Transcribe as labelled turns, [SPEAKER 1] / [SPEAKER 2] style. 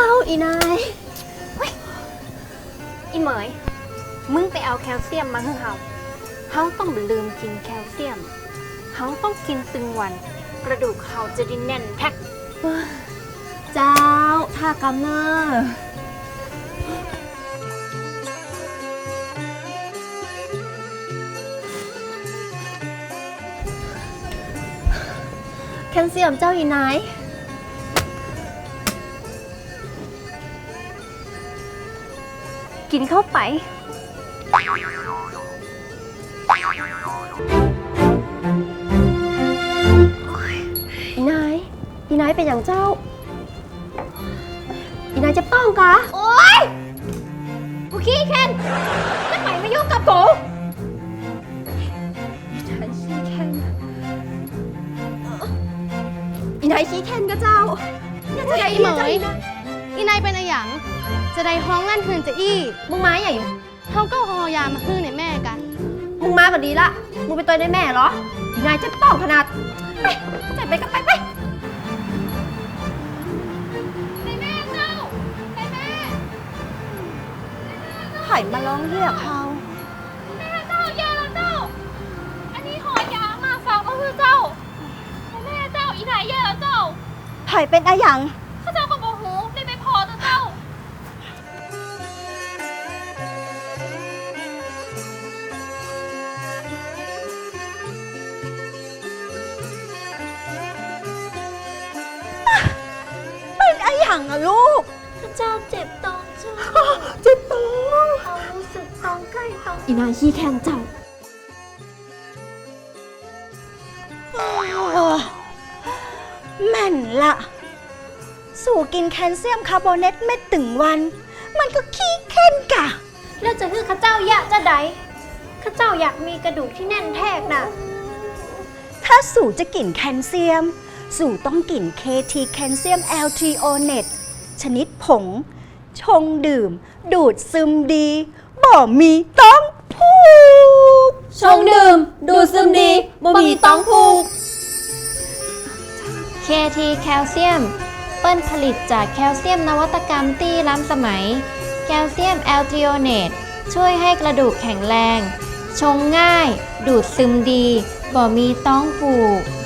[SPEAKER 1] อีนาย
[SPEAKER 2] อีเหมยมึงไปเอาแคลเซียมมาให้เฮาต้องลืมกินแคลเซียมเฮาต้องกินตึงวันกระดูกเฮาจะได้แน่นแท็ก
[SPEAKER 1] เจ้าท่ากำเนอแคลเซียมเจ้าอีนาย
[SPEAKER 2] กินเข้าไป
[SPEAKER 1] อีนายเป็นอย่างเจ้าอีนายจะต้องกะ
[SPEAKER 2] โอ๊ยกูขี้แค้นจะไปมายุ่งกับกู
[SPEAKER 1] อีนายขี้แค้นก็เจ้าอย่าจะได้
[SPEAKER 3] อีเหมยอีนายเป็นอะไรหยังจะได้ห้องลั่นคืนจะอี้
[SPEAKER 1] มึงมาใหญ่
[SPEAKER 3] เขาก็หอยามาฮื้อในแม่กัน
[SPEAKER 1] มึงมาก็ดีละมึงเป็นตัวได้แม่เหรออีนายจะต้องขนาดไปก็ไปไผ่มาร้องเรียกเขา
[SPEAKER 2] เจ้าแย่แล้วเจ้าอันนี้หอยามาฝากมาคือเจ้าแม่เจ้าอีไหนแย่แล้วเจ้า
[SPEAKER 1] ไผ่เป็นอะไรหยัง
[SPEAKER 2] ข้าเจ้าก็บอกหูได้ไม่พอตัวเจ้า
[SPEAKER 1] เป็นอะไรหยังอะลูก
[SPEAKER 2] เจ้าเจ็บตองเจ้า
[SPEAKER 1] เจ็บตัว
[SPEAKER 2] เขารู้สึกตองใกล้ตอง
[SPEAKER 1] อีนายขี้แค้นเจ้าแม่นละสู่กินแคลเซียมคาร์โบเนตเม็ดตึงวัน มันก็ขี้แค้นกะ
[SPEAKER 2] แล้วจะคือข้าเจ้าอยากจะใดข้าเจ้าอยากมีกระดูกที่แน่นแทกน่ะ
[SPEAKER 1] ถ้าสู่จะกินแคลเซียม สู่ต้องกิน KT แคลเซียม L-threonate ชนิดผง ชงดื่ม ดูดซึมดี บ่มีต้องผูก
[SPEAKER 4] ชงดื่ม ดูดซึมดีบ่มีต้องผูก
[SPEAKER 2] KT แคลเซียมเปิ้ลผลิตจากแคลเซียมนวัตกรรมที่ล้ำสมัย แคลเซียมแอลทริโอเนตช่วยให้กระดูกแข็งแรง ชงง่าย ดูดซึมดี บ่มีต้องผูก